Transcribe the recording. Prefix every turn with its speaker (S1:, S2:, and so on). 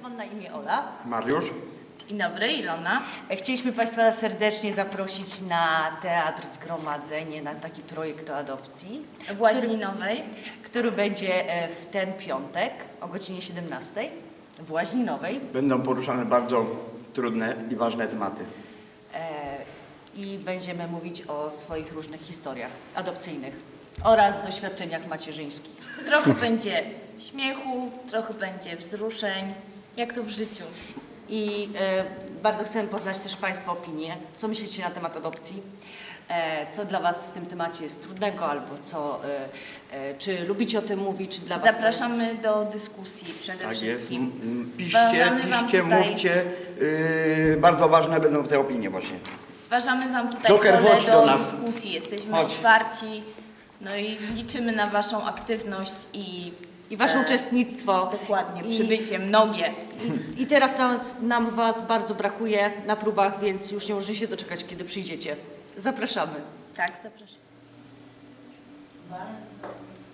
S1: Mam na imię Ola.
S2: Mariusz.
S3: Dzień dobry, Ilona.
S1: Chcieliśmy Państwa serdecznie zaprosić na Teatr Zgromadzenie, na taki projekt o adopcji.
S3: W Łaźninowej.
S1: Który będzie w ten piątek o godzinie 17 w Łaźninowej.
S2: Będą poruszane bardzo trudne i ważne tematy.
S1: I będziemy mówić o swoich różnych historiach adopcyjnych oraz doświadczeniach macierzyńskich.
S3: Trochę będzie śmiechu, trochę będzie wzruszeń, jak to w życiu.
S1: I bardzo chcemy poznać też Państwa opinie. Co myślicie na temat adopcji? Co dla Was w tym temacie jest trudnego, albo co, czy lubicie o tym mówić, czy dla Was
S3: Zapraszamy do dyskusji przede
S2: Tak jest.
S3: wszystkim.
S2: Piszcie,
S3: Stwarzamy wam
S2: piszcie,
S3: tutaj-
S2: mówcie. Bardzo ważne będą te opinie właśnie.
S3: Stwarzamy Wam tutaj
S2: Joker,
S3: pole
S2: chodź do
S3: do
S2: nas.
S3: dyskusji. Jesteśmy
S2: Chodź.
S3: otwarci, no i liczymy na Waszą aktywność i
S1: Wasze uczestnictwo.
S3: dokładnie,
S1: I-
S3: przybycie mnogie.
S1: I teraz nam Was bardzo brakuje na próbach, więc już nie możecie się doczekać, kiedy przyjdziecie. Zapraszamy.
S3: Tak, zapraszam.